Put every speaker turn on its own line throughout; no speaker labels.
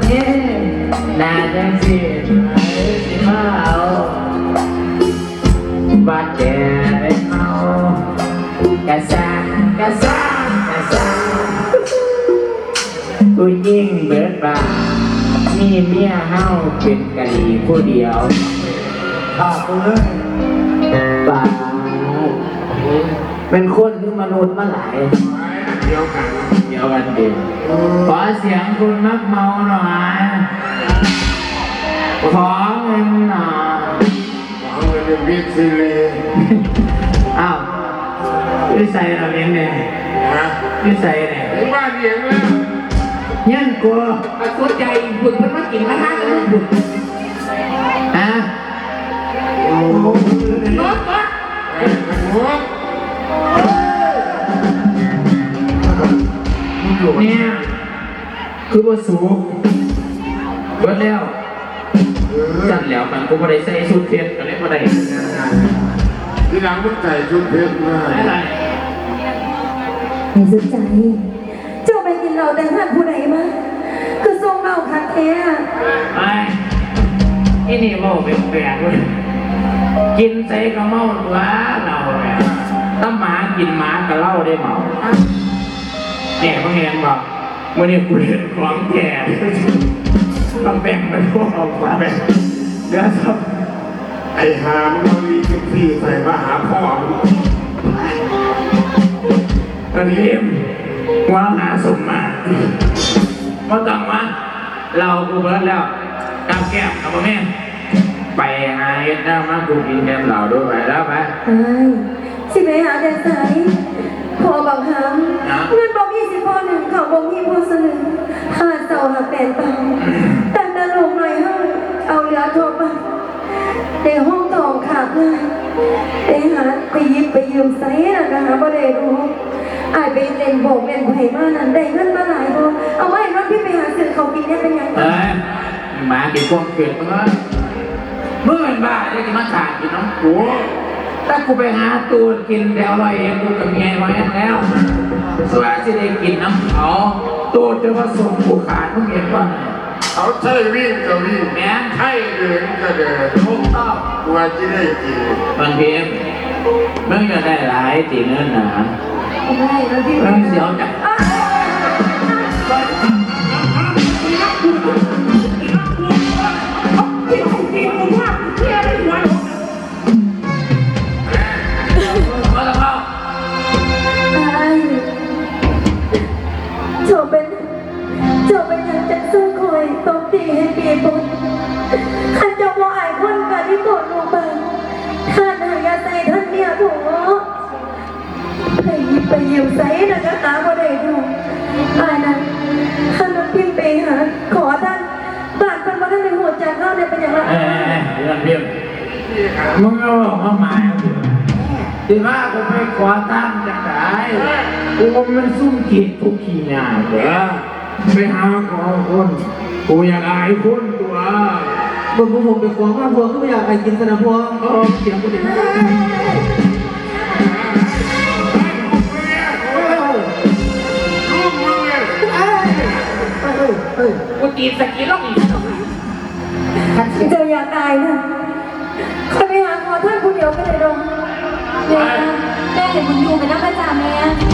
เนี่ยน่าจังสิสิมาเอาบาดแผลไปเอากระซังกระซังกระซังผู้หญิงเบิดบามีเมียเฮาเป็นกะหรี่ผู้เดียวข้ากูเลยบาเป็นคนที่มนุษย์มาหลายเดียวกันเดียวกันเดียวขอเสียงคุณมักเมาหน่อยขอเงินหน่อยขอเงินเป็นบิ๊กซีรีอ้าววิสัยเราเองเนี่ยวิสัยเนี่ยไอ้บ้านเองแล้วยันกลัวสนใจบุญมันมากินมาทานแล้วบุญฮะโอ้โหรถเนี่ยคือว่าสูงเบิดแล้วจัดแล้วมันกูไม่ได้ใส่ชุดเพชรกันเลยไม่ได้ที่หลังมึงใส่ชุดเพชรมาอะไร
ไม่สนใจเจ้าไปกินเหล้าแต่ท่านผู้ใดมาคือทรงเหล้าคักแท้
ไอ้นี่เมาเป็นแปลกเลยกินใส่ก็เมาตัวเราเนี่ยถ้าหมากินหมาก็เล่าได้เมาเนี่ยเขาเห็นบอกวันนี้กูเห็นของแก่ต้องแบ่งไปพวกเอาแบ่งเดี๋ยวครับ
ไอ้หามเราลีกินพี่ใส่มาหาพ่อ
ตอนนี้ว่าหาสมมาเพราะต้องว่าเรากูเบิร์ดแล้วกับแก้มกับแม่ไปหาเอ็ดหน้ามากูกินแก้มเราด้วยไปแล้วไป
สิไปหาแต่ใสพอบังคับเงินบอก20 พอ 1เขาบอก20 พอ 1หาเสาหาแปดตังแต่ตลกหน่อยเอาเหลือทบในห้องทองขาดเลยไปหาไปยิบไปยืมไซน์นะหาบ่ได้รู้อายไปเล่นโบกเล่นไผ่มานั่นได้เงินมาหลายพอเอาไว้รถพี่ไปหาซื้อเขากินได้เป็นยังไง
หมากินพวกเกลือเมื่อเป็นบ้าได้กินมาขาดกินน้ำกูถ้ากูไปหาตูนกินเดี๋ยวอร่อยเองกูกับเมียมาแล้วส่วนที่ได้กินน้ำเขาตูนจะมาส่งกูขาดทุกเย็นว่า
เขาใช่วิ่งก็วิ่ง
แม่
ใช่เดินก็เดิน
ถูกต้อง
กลัวจะได้กิน
บางทีมึงจะได้หลายตีเงินนะ
ได้แล้วพี่
มึงเสียวจัง
ให้เปียบุญขันเจ้าพ่อไอ้คนกันที่โกรธลงไปท่านหายาใจท่านเนี่ยถูกไปยืมไซน์นะจ๊ะบ่ได้ถูกไอ้นั้นท่านมันพิมพ์ไปหาขอท่านบาดเป็นว่าท่านในหัวใจเข้าในเป็นอย่างไร
เรื่องพิมพ์มึงเอามาหมายที่ว่ากูไปขอตั้งจากไหนกูมันซุ่มขีดทุกขีหน้าเด้อไปหาขอคนกูอยากอายคนตัว
ผมไปขวางว่าพวงก็ไม่อยากไอ้กินสนะพวง
เสียงกูเด็กกูตีสกีล็อกอีก
เจออยากตายนะใครไปหาขอท่านผู้เดียวก็เลยดงแม่เห็นมึงอยู่เป็นนักประจำแม่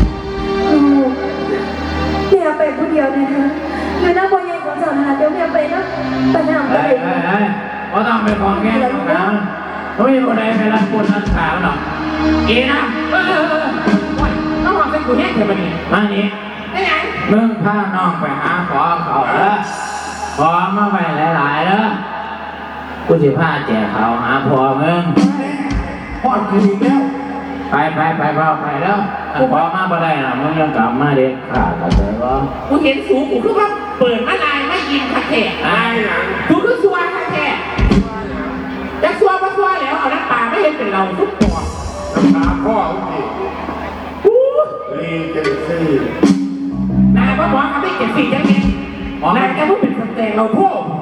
ไปผู้เดียวนะคะอยู่หน้าบอยใหญ่ของเจ้าหาเดี๋ยวแม่ไปนะไปหน้าไป
เพราะต้องไปของแง่ของน้ำไม่มีคนใดไปรับคนรับขาหรอกอีนะ
ต้องบอกเป็นกูแน่เถอะมันนี่
มานี่
ไม่ไง
มึงพาน้องไปหาขอเขาขอมาไปหลายๆแล้วกูจะพาแจกเขาหาพ่อมึง
พ่อกูอีกแล้ว
ไปพ่อไปแล้วพอมาบ่ได้นะมึงยังกลับมาเด็กขาดกันเลยว่า
กูเห็นสูงกูคือว่าเปิดมาลายไม่ยินคาแขกกูคือชัวร์คาแขกจะชัวร์ก็ชัวร์แล้วเอาน้ำปลาไม่เห็นเป็นเราทุกตัว
น้ำปลาพ่อพี่ลีเจนซี่
นายว่าบอกเขาไม่เก็บสิ่งอย่างนี้นายแค่พูดเป็นคนแต่เราพูด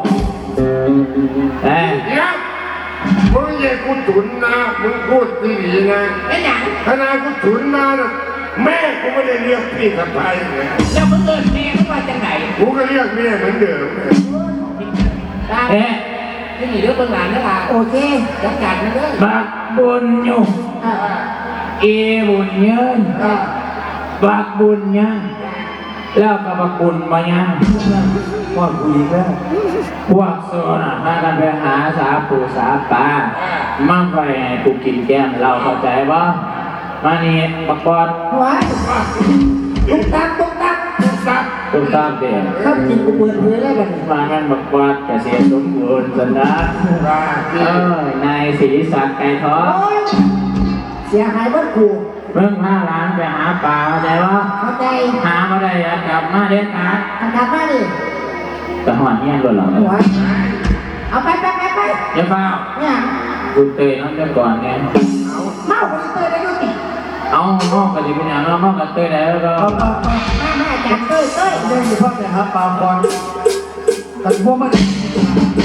เนี่ยมึงอย่ากูฉุนนะมึงพูดดีๆนะ
ไอ้หยัง
ขนาดกูฉุนมานะแม่กูไม่ได้เรียกพี่กับไปเลย
แล้วมึงเอิญแม่ก็มาจากไหน
กูก็เรียกแม่เหมือนเดิม
เอ๊ะ
นี่มีเรื่องเบื้องหลังนะล่ะ
โอเค
จัดการนะเด้อ
บักบุญอยู่เอบุญยืนบักบุญยังแล้วก็บักบุญมายังว่าคุยแล้วพวกโซน่ะมากันไปหาสาปูสาปลามั่งไปให้กูกินแก้มเราเข้าใจป่ะมานี่บักบอด
ไว้ตุ๊กตักตุ๊กตัก
ตุ้มตามเด็ก
เข้ากินกูเปิดเผยแล้วกัน
มางั้นบักบอดเกษียณสมบูรณ์สันดาน
ว่า
นายศรีศักดิ์ไก่ทอง
เสียหายบ้านกู
เพิ่ง5 ล้านไปหาปลาเข้าใจป่ะ
เข้าใจ
หามาได้อย่ากลับมาเด็ดขาด
อันดับมาดิ
แต่หอนเงี้ยหล่นหลัง
หัวเอาไป
อย่าเฝ้า
เนี่ย
กูเตยน้องเดี๋ยวก่อนเนี่ย
เมาไปเตยได้ยุติ
เอาห้องกันดีเป็นอย่างนั้นห้องกันเตยแล้วก็
แม่จัดเตย
เล่นอยู่พักเนี่ยครับปาบอลแต่พวกมัน